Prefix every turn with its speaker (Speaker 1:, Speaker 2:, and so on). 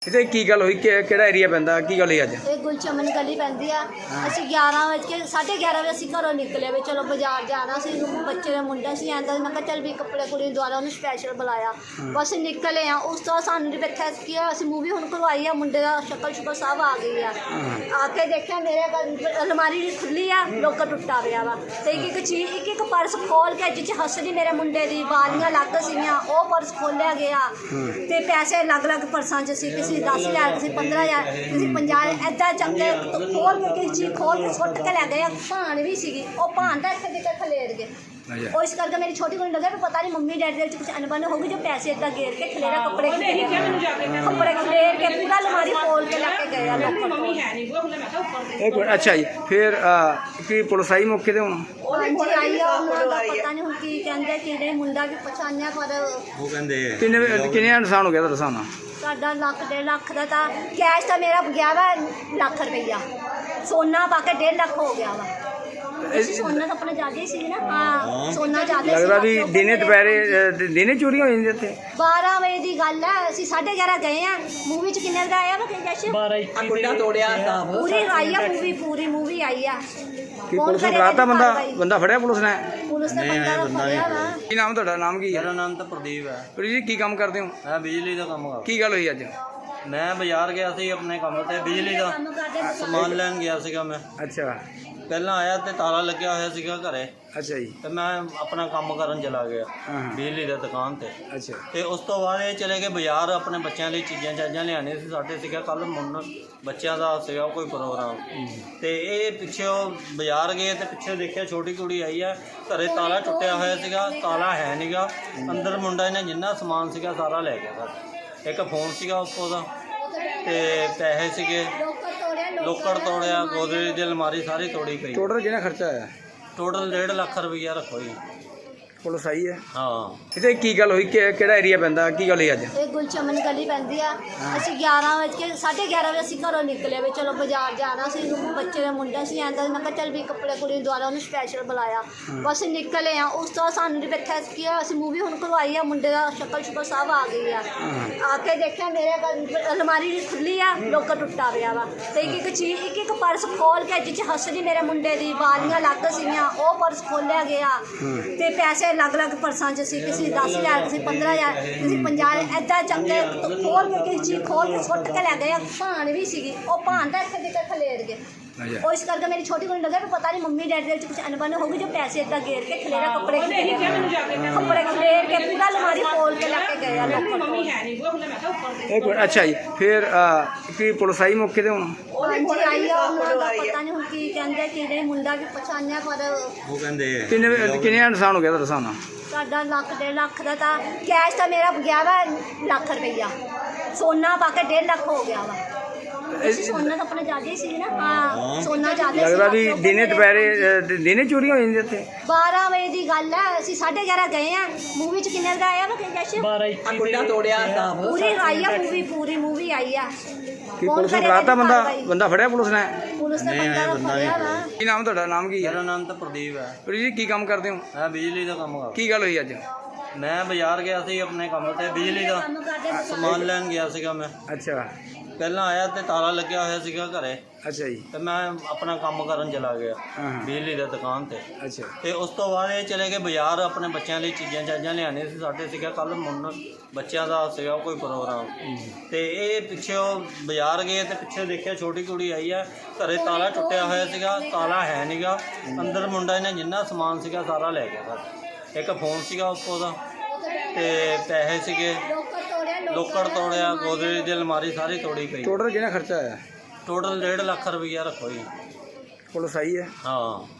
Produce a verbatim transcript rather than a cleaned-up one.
Speaker 1: इतने की गल हुई केड़ा एरिया पैंदा की गल हुई अज
Speaker 2: ਇਹ ਗੁਲਚਮਨ ਗਲੀ ਪੈਂਦੀ ਆ। ਅਸੀਂ ਗਿਆਰਾਂ ਵਜੇ ਸਾਢੇ ਗਿਆਰਾਂ ਵਜੇ ਅਸੀਂ ਘਰੋਂ ਨਿਕਲੇ ਵੀ ਚਲੋ ਬਾਜ਼ਾਰ ਜਾਣਾ ਸੀ। ਬੱਚੇ ਦਾ ਮੁੰਡਾ ਸੀ ਆਂਦਾ ਮੈਂ ਕਿਹਾ ਚੱਲ ਵੀ ਕੱਪੜੇ ਕੁੜੀ ਦੁਆਰਾ ਉਹਨੂੰ ਸਪੈਸ਼ਲ ਬੁਲਾਇਆ। ਬਸ ਨਿਕਲੇ ਆ। ਉਸ ਤੋਂ ਸਾਨੂੰ ਵੇਖਿਆ ਕਿ ਅਸੀਂ ਮੂਵੀ ਹੁਣ ਕਰਵਾਈ ਆ। ਮੁੰਡੇ ਦਾ ਸ਼ਕਲ ਸ਼ੁਕਲ ਸਭ ਆ ਗਈ ਆ। ਆ ਕੇ ਦੇਖਿਆ ਮੇਰੇ ਅਲਮਾਰੀ ਖੁੱਲੀ ਆ, ਲੋਕਰ ਟੁੱਟਾ ਪਿਆ ਵਾ ਤੇ ਇੱਕ ਇੱਕ ਚੀਜ਼ ਇੱਕ ਇੱਕ ਪਰਸ ਖੋਲ ਕੇ ਜਿੱਚ ਹੱਸਦੀ ਮੇਰੇ ਮੁੰਡੇ ਦੀ ਵਾਲੀਆਂ ਅਲੱਗ ਸੀਗੀਆਂ ਉਹ ਪਰਸ ਖੋਲਿਆ ਗਿਆ ਤੇ ਪੈਸੇ ਅਲੱਗ ਅਲੱਗ ਪਰਸਾਂ 'ਚ ਸੀ। ਕਿਸੇ दस हज़ार किसी पंद्रह हज़ार किसी पंजाह इदा चंगे तो खोल के किसी चीज़ खोल के सुट के लै गए। भान भी सी भान तो इतने दिक्कत खलेर गए। और इस करके मेरी छोटी कुड़ी लगे भी पता नहीं मम्मी डैडी कुछ अनबन होगी जो पैसे इदा गेर के खलेरा कपड़े कपड़े खलेर के पूरा अलमारी खोल के लैके गए।
Speaker 1: अच्छा जी फिर की पुलिस आई मौके ते हुण
Speaker 2: जी आई आ पता नहीं हुण की कहंदे कि मुंडा भी पछाणिया पर
Speaker 1: वो कहंदे किन्ने किन्ने नुकसान हो गया तुहाडा साना
Speaker 2: साडा लख डेढ़ लख का था। कैश तो मेरा गया वा लख रुपया। सोना पाके डेढ़ लख हो गया वा। सोना तो अपने ज्यादा ही सी ना। हाँ सोना ज्यादा
Speaker 1: लगदा भी दिने दोपहरे दिने चोरी हो जांदी इत्थे
Speaker 2: बारह बजे की गल है। ਅਸੀਂ साढ़े ग्यारह गए हैं। मूवी च किन्ने बजे आया वा जश
Speaker 3: बारह कुंडा तोड़िया
Speaker 2: पूरी आई है मूवी पूरी मूवी आई है।
Speaker 1: की पुलिस ने फड़ाता बंदा बंदा फड़िया पुलिस ने
Speaker 2: पुलिस ने बंदा फड़िया वा।
Speaker 1: की नाम ਤੁਹਾਡਾ ਨਾਮ ਕੀ ਹੈ?
Speaker 3: मेरा नाम तो प्रदीप है।
Speaker 1: ਪ੍ਰਦੀਪ ਜੀ ਕੀ ਕੰਮ ਕਰਦੇ ਹੋ?
Speaker 3: मैं बिजली का काम करता।
Speaker 1: ਕੀ ਗੱਲ ਹੋਈ ਅੱਜ?
Speaker 3: मैं बाजार गया सी अपने काम ते बिजली का समान लैन गया सीगा। मैं
Speaker 1: ਅੱਛਾ
Speaker 3: पहला आया तो ताला लग्या होया सीगा घरे
Speaker 1: ਅੱਛਾ ਜੀ
Speaker 3: ते मैं अपना काम करन चला गया
Speaker 1: ਹਾਂ
Speaker 3: बिजली की दुकान ते
Speaker 1: ਅੱਛਾ
Speaker 3: ਤੇ ਉਸ ਤੋਂ ਬਾਅਦ ਇਹ ਚਲੇ ਗਏ ਬਾਜ਼ਾਰ ਆਪਣੇ ਬੱਚਿਆਂ ਲਈ ਚੀਜ਼ਾਂ ਚਾਜ਼ਾਂ ਲਿਆਉਣੀਆਂ ਸੀ। ਸਾਡੇ ਸੀਗਾ ਕੱਲ ਮੁੰਨ ਬੱਚਿਆਂ ਦਾ ਸੀਗਾ ਕੋਈ ਪ੍ਰੋਗਰਾਮ ਤੇ ਇਹ ਪਿੱਛੇ ਉਹ ਬਾਜ਼ਾਰ ਗਏ ਤੇ ਪਿੱਛੇ ਦੇਖਿਆ ਛੋਟੀ ਕੁੜੀ ਆਈ ਆ। ਘਰੇ ਤਾਲਾ ਟੁੱਟਿਆ ਹੋਇਆ ਸੀਗਾ, ਤਾਲਾ ਹੈ ਨਹੀਂਗਾ ਅੰਦਰ। ਮੁੰਡਾ ਇਹਨੇ ਜਿੰਨਾ ਸਮਾਨ ਸੀਗਾ ਸਾਰਾ ਲੈ ਗਿਆ ਸਾਡਾ। ਇੱਕ ਫੋਨ ਸੀਗਾ ਉੱਪਰ ਦਾ ਤੇ ਪੈਸੇ ਸੀਗੇ, ਲੋਕਰ ਤੋੜਿਆ, ਗੋਦਰੇਜ ਦੀ ਅਲਮਾਰੀ ਸਾਰੀ ਤੋੜੀ ਪਈ।
Speaker 1: ਟੋਟਲ ਕਿੰਨਾ ਖਰਚਾ ਆਇਆ?
Speaker 3: ਟੋਟਲ ਡੇਢ ਲੱਖ ਰੁਪਈਆ ਰੱਖੋ ਜੀ।
Speaker 1: ਪੁਲਿਸ ਆਈ ਹੈ?
Speaker 3: ਹਾਂ
Speaker 1: ਇਤਨੇ ਕੀ ਗੱਲ ਹੋਈ ਕਿਹੜਾ ਏਰੀਆ ਪੈਂਦਾ ਕੀ ਗੱਲ ਹੋਈ ਅੱਜ?
Speaker 2: ਇਹ ਗੁਲਚਮਨ ਗਲੀ ਪੈਂਦੀ ਆ। ਅਸੀਂ ਗਿਆਰਾਂ ਵਜੇ ਸਾਢੇ ਗਿਆਰਾਂ ਵਜੇ ਅਸੀਂ ਘਰੋਂ ਨਿਕਲੇ ਵੀ ਚਲੋ ਬਾਜ਼ਾਰ ਜਾਣਾ ਸੀ। ਬੱਚੇ ਦਾ ਮੁੰਡਾ ਸੀ ਆਂਦਾ ਮੈਂ ਕਿਹਾ ਚੱਲ ਵੀ ਕੱਪੜੇ ਕੁੜੀ ਦੁਆਰਾ ਉਹਨੂੰ ਸਪੈਸ਼ਲ ਬੁਲਾਇਆ। ਬਸ ਨਿਕਲੇ ਆ। ਉਸ ਤੋਂ ਸਾਨੂੰ ਵੇਖਿਆ ਕਿ ਅਸੀਂ ਮੂਵੀ ਹੁਣ ਕਰਵਾਈ ਆ। ਮੁੰਡੇ ਦਾ ਸ਼ਕਲ ਸ਼ੁਕਲ ਸਭ ਆ ਗਈ ਆ। ਆ ਕੇ ਦੇਖਿਆ ਮੇਰੇ ਅਲਮਾਰੀ ਖੁੱਲੀ ਆ, ਲੋਕਰ ਟੁੱਟਾ ਪਿਆ ਵਾ ਤੇ ਇੱਕ ਇੱਕ ਚੀਜ਼ ਇੱਕ ਇੱਕ ਪਰਸ ਖੋਲ ਕੇ ਜਿੱਚ ਹੱਸਦੀ ਮੇਰੇ ਮੁੰਡੇ ਦੀ ਵਾਲੀਆਂ ਅਲੱਗ ਸੀਗੀਆਂ ਉਹ ਪਰਸ ਖੋਲਿਆ ਗਿਆ ਤੇ ਪੈਸੇ ਅਲੱਗ ਅਲੱਗ ਪਰਸਾਂ 'ਚ ਸੀ। ਕਿਸੇ दस हज़ार किसी पंद्रह हज़ार किसी पंजाह इदा चंगे तो खोल के किसी चीज़ खोल के सुट के लै गए। भान भी सी भान तो इतने दिक्कत खलेर गए। और इस करके मेरी छोटी कुड़ी लगे भी पता नहीं मम्मी डैडी कुछ अनबन होगी जो पैसे इदा गेर के खलेरा कपड़े कपड़े खलेर के पूरा अलमारी खोल के लैके गए।
Speaker 1: अच्छा जी फिर की पुलिस आई मौके ते हुण
Speaker 2: जी आई आ पता नहीं हुण की कहंदे कि मुंडा भी पछाणिया पर
Speaker 3: ਉਹ ਕਹਿੰਦੇ
Speaker 1: किन्ने किन्ने नुकसान हो गया तुहाडा साना
Speaker 2: साडा लख डेढ़ लख का था। कैश तो मेरा गया वा लख रुपया। सोना पाके डेढ़ लख हो गया वा। सोना तो अपने ज्यादा ही सी ना। हाँ सोना ज्यादा
Speaker 1: लगदा भी दिने दोपहरे दिने चोरी हो जांदी इत्थे
Speaker 2: बारह बजे की गल है। ਅਸੀਂ साढ़े ग्यारह गए हैं। मूवी च किन्ने बजे आया वा जश
Speaker 3: बारह कुंडा तोड़िया
Speaker 2: पूरी आई है मूवी पूरी मूवी आई है।
Speaker 1: की पुलिस ने फड़ाता बंदा बंदा फड़िया पुलिस ने?
Speaker 2: पुलिस ने बंदा फड़िया वा।
Speaker 1: की नाम ਤੁਹਾਡਾ ਨਾਮ ਕੀ ਹੈ?
Speaker 3: मेरा नाम तो प्रदीप है।
Speaker 1: ਪ੍ਰਦੀਪ ਜੀ ਕੀ ਕੰਮ ਕਰਦੇ ਹੋ?
Speaker 3: मैं बिजली का काम करता।
Speaker 1: ਕੀ ਗੱਲ ਹੋਈ ਅੱਜ?
Speaker 3: मैं बाजार गया सी अपने काम ते बिजली का समान लैन गया सीगा। मैं
Speaker 1: ਅੱਛਾ
Speaker 3: ਪਹਿਲਾਂ ਆਇਆ ਤੇ ਤਾਲਾ ਲੱਗਿਆ ਹੋਇਆ ਸੀਗਾ ਘਰੇ
Speaker 1: ਅੱਛਾ ਜੀ
Speaker 3: ਤੇ ਮੈਂ ਆਪਣਾ ਕੰਮ ਕਰਨ ਚਲਾ ਗਿਆ
Speaker 1: ਹਾਂ
Speaker 3: ਬਿਜਲੀ ਦੀ ਦੁਕਾਨ ਤੇ
Speaker 1: ਅੱਛਾ
Speaker 3: ਤੇ ਉਸ ਤੋਂ ਬਾਅਦ ਇਹ ਚਲੇ ਗਏ ਬਾਜ਼ਾਰ ਆਪਣੇ ਬੱਚਿਆਂ ਲਈ ਚੀਜ਼ਾਂ ਚਾਜ਼ਾਂ ਲਿਆਉਣੀਆਂ ਸੀ। ਸਾਡੇ ਸੀਗਾ ਕੱਲ ਮੁੰਨ ਬੱਚਿਆਂ ਦਾ ਸੀਗਾ ਕੋਈ ਪ੍ਰੋਗਰਾਮ ਤੇ ਇਹ ਪਿੱਛੇ ਉਹ ਬਾਜ਼ਾਰ ਗਏ ਤੇ ਪਿੱਛੇ ਦੇਖਿਆ ਛੋਟੀ ਕੁੜੀ ਆਈ ਆ। ਘਰੇ ਤਾਲਾ ਟੁੱਟਿਆ ਹੋਇਆ ਸੀਗਾ, ਤਾਲਾ ਹੈ ਨਹੀਂਗਾ ਅੰਦਰ। ਮੁੰਡਾ ਇਹਨੇ ਜਿੰਨਾ ਸਮਾਨ ਸੀਗਾ ਸਾਰਾ ਲੈ ਗਿਆ ਸਾਡਾ। ਇੱਕ ਫੋਨ ਸੀਗਾ ਉੱਪਰ ਦਾ ਤੇ ਪੈਸੇ ਸੀਗੇ, ਲੋਕਰ ਤੋੜਿਆ, ਗੋਦਰੇਜ ਦੀ ਅਲਮਾਰੀ ਸਾਰੀ ਤੋੜੀ ਪਈ।
Speaker 1: ਟੋਟਲ ਕਿੰਨਾ ਖਰਚਾ ਆਇਆ?
Speaker 3: ਟੋਟਲ ਡੇਢ ਲੱਖ ਰੁਪਈਆ ਰੱਖੋ ਜੀ।
Speaker 1: ਪੁਲਿਸ ਆਈ ਹੈ?
Speaker 3: ਹਾਂ